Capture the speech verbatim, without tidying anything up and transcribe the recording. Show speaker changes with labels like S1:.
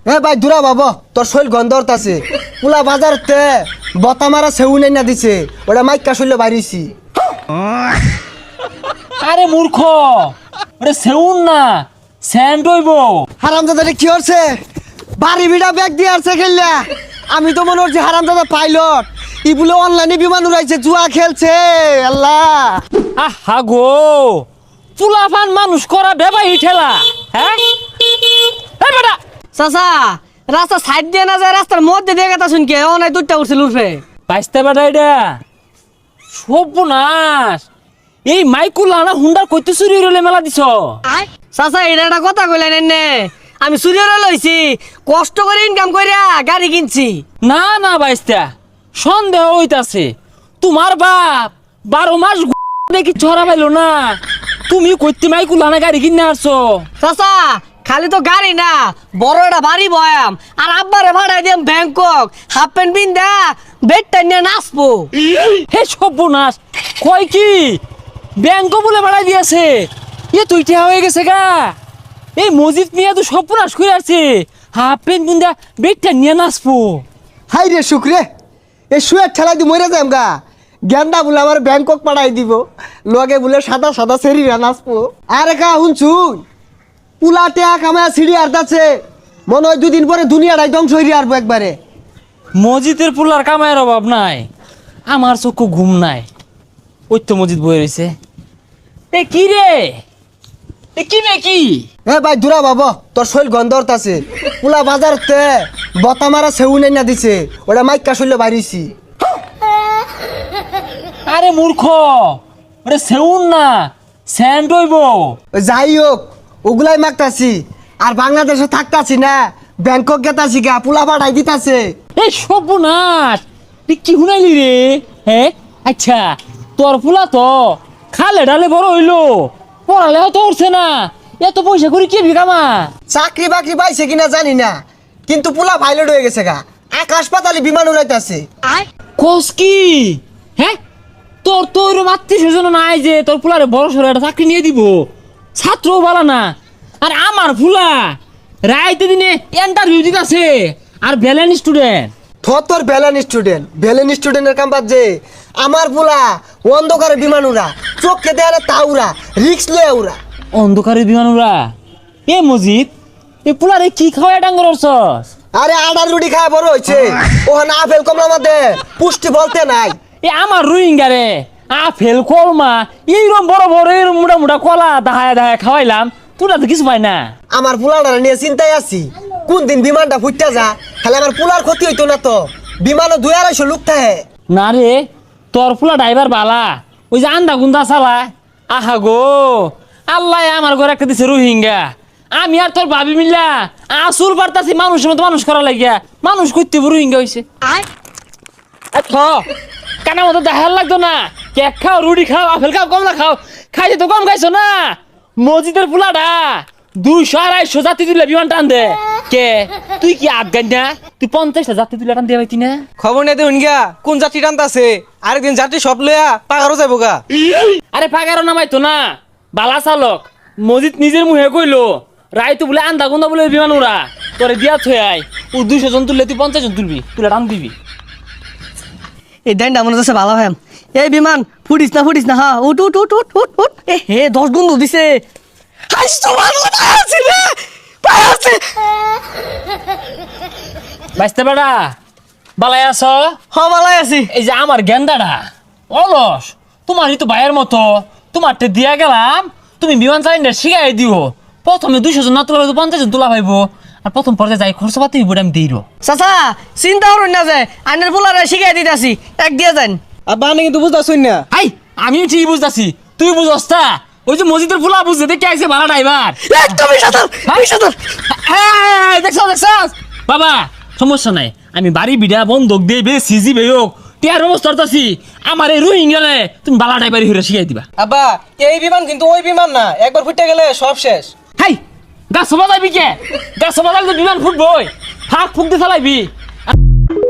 S1: এ ভাই দূরা বাবা তোর শৈল গন্ধরত আছে পুলা বাজারতে বতা মারা সেউ নাই না দিছে ওটা মাইকা শৈল বাইরেছি।
S2: আরে মূর্খ, ওটা সেউন না স্যান্ড হইব।
S1: হারামজাদা কি হচ্ছে বাড়ি বিড়া ব্যাগ দিয়ে আসছে খেললা। আমি তো মনে হচ্ছে হারামজাদা পাইলট ই বলে অনলাইনে বিমান উড়াইছে জুয়া খেলছে। আল্লাহ
S2: আহা গো, চুলাফান মানুষ করা বেবাই ঠেলা। হ্যাঁ এই বেটা
S3: চাচা রাস্তা সাইড দিয়ে না যায় রাস্তার মধ্যে দিয়ে কথা শুনকে অনেক দুধটা উঠছিল উঠবে
S2: বাইসতে বেটা এটা সর্বনাশ। এই মাইকুল আনা হুন্ডার কইতে চুরি হইলে মেলা দিছ।
S3: চাচা এটা একটা কথা কইলেন এনে আমি চুরিয়ে লইছি কষ্ট করে ইনকাম কইরা গাড়ি কিনছি।
S2: না না বাইস্তা সন্দেহ হইতাছে তোমার বাপ বারো মাস দেখি ছড়া পাইলো না, তুমি কইতে মাইকুল আনা গাড়ি কিনে আসছো।
S3: চাচা খালি তো গাড়ি না বড় একটা বাড়ি বয়াম আর আব্বারে ভাড়াই দিয়াম ব্যাংকক হাফ প্যান্ট পিন্দা বেডটা নিয়ে নাচবো।
S2: হে সর্বনাশ, কয় কি ব্যাংক বলে বাড়াই দিয়েছে? এ তুই ঠেয়া হয়ে গেছে গা। এই মসজিদ নিয়ে তো সর্বনাশ করে আছে, হাফ প্যান্ট বুন্দা বেগটা নিয়ে নাচবো।
S1: হাই রে শুক্রে এই শুয়ের ঠেলাই দি মরে যাম গা। গেন্দা বলে আমার ব্যাংকক পাঠাই দিব লগে বলে সাদা সাদা সেরিরা নাচবো। আরে কা শুনছুন পুলা টেয়া কামায় সিঁড়ি আর্দাছে মনে হয় দুদিন পরে দুনিয়াটাই ধ্বংস হইরে আসবো একবারে।
S2: মসজিদের পুলার কামায়ের অভাব নাই, আমার চক্ষু ঘুম নাই। ওই তো মসজিদ বয়ে রয়েছে। এ কি রে, এ কি রে কি?
S1: এ ভাই দূরা বাবা তোর শৈল গন্ধরত আছে পুলা বাজারতে বতা মারা সেউ নাই না দিছে ওটা মাইকা শৈল বাইরেছি।
S2: আরে মূর্খ, ওটা সেউন না স্যান্ড হইব।
S1: যাই হোক ওগুলাই মাগতাছি আর বাংলাদেশে থাকতাছি না ব্যাংকক গেতাছি গা পুলা পাঠাই দিতাছে।
S2: এই সর্বনাশ, তুই কি শুনাইলি রে? হ্যাঁ আচ্ছা, তোর ফুলা তো খালে ডালে বড় হইলো, পড়ালেও তো উঠছে না, এত পয়সা করে কি বিকামা?
S1: চাকরি বাকরি পাইছে কিনা জানি না কিন্তু পুলা পাইলট হয়ে গেছে গা, আকাশ পাতালে বিমান উড়াইতাছে।
S2: কোস কি? হ্যাঁ তোর তো ওইরকম আত্মীয় স্বজন নাই যে তোর ফুলারে বড় সড়ো একটা চাকরি নিয়ে দিব, ছাত্রও বলা না। আর আমার ফুলা রাইতে দিনে ইন্টারভিউ দিতেছে আর ব্যালেন্স স্টুডেন্ট।
S1: থর তোর ভ্যালেন স্টুডেন্ট ভ্যালেন স্টুডেন্টের কাম যে আমার পুলা অন্ধকারে বিমান উড়া চোখকে দেয়ালে তা উড়া রিক্স লয়ে উড়া।
S2: অন্ধকারের বিমানুরা এ মজিদ এ পুলারে কি খাওয়াই ডাঙ্গর অর্চস?
S1: আরে আডার রুটি খায় বড় হয়েছে ওখানে আপেল কমলা মধ্যে পুষ্টি বলতে নাই।
S2: এ আমার রোহিঙ্গা রে আপেল কলমা এইরকম বড় বড় এরম মোটা মোটা কলা দাহায় দাহায় খাওয়াইলাম, তোরা তো কিছু পাই না।
S1: আমার পুলাটা নিয়ে চিন্তায় আছি কোন দিন বিমানটা ফুটতে যা তাহলে আমার পুলার ক্ষতি হইতো না তো। বিমানও দুই আড়াইশো লোক থাকে।
S2: না রে তোর ফুলা ড্রাইভার বালা, ওই যে আন্দা গুন্দা চালায়। আহা গো আল্লাহ আমার ঘরে একটা দিছে রোহিঙ্গা, আমি আর তোর ভাবি মিল্লা আসুর পারতাছি মানুষের মতো মানুষ করা লাগিয়া মানুষ করতে রোহিঙ্গা হয়েছে। কানা মতো দেখার লাগতো না, কেক খাও রুটি খাও আপেল খাও কমলা খাও, খাইছে তো কম খাইছো না। মসজিদের পোলাটা দুইশো আড়াইশো জাতি তুলে বিমান টান দে। কে তুই কি আফগান না? তুই পঞ্চাশটা জাতি তুলে টান দিয়ে পাইতি না?
S4: খবর নেই দেখুন গা কোন যাত্রী টানতাছে, আরেকদিন যাত্রী সব লইয়া পাগারও যাবো গা।
S2: আরে পাগারও নামাইতো না, বালা চালক মসজিদ নিজের মুহে কইলো রাইতো বলে আন্দা গুন্দা বলে বিমান উড়া তোরে দিয়া থই আয়। ও দুইশো জন তুললে তুই পঞ্চাশ জন তুলবি, তুলে টান দিবি।
S3: এই ডাইনটা মনে হচ্ছে ভালো ভাই। এই বিমান ফুটিস না ফুটিস না হ্যাঁ উঠ উঠ উঠ উঠ উঠ উঠ। এ হে দশ গুণ দিছে।
S2: বাইসতে বেড়া বালাই আছ?
S3: হ ভালাই আছি।
S2: এই যে আমার গেন্দাটা অলস, তোমারই তো ভাইয়ের মতো, তোমারটা দিয়া গেলাম তুমি বিমান চালিয়ে শিখাই দিও। প্রথমে দুইশো জন না তোলা পঞ্চাশ জন তোলা পাইবো, আর প্রথম পর্যায়ে যাই খরচ পাতি হইব আমি দিই।
S3: চাচা চিন্তা করুন না যে আইনের পোলারে শিখাই দিতেছি এক দিয়ে যান।
S4: আব্বা আমি কিন্তু বুঝতেছুন না।
S2: হাই আমিও ঠিক বুঝতেছি, তুই বুঝস তা? ওই যে মসজিদের ফুলা বুঝতে দেখে আইছে ভাড়া ড্রাইভার
S3: একদমই সাঁতার আমি সাঁতার।
S2: দেখছ দেখছ বাবা, সমস্যা নাই, আমি বাড়ি বিড়া বন্ধক দিয়ে বে সিজি বে হোক টিয়ার ব্যবস্থা করতেছি। আমার এই রোহিঙ্গালে তুমি বালা ড্রাইভারি হয়ে শিখাই দিবা।
S4: আব্বা এই বিমান কিন্তু ওই বিমান না, একবার ফুটে গেলে সব শেষ।
S2: হাই গাছ সবা যাবি কে? গাছ সবা যাবি বিমান ফুটবই, ফাঁক ফুক দিয়ে চালাইবি।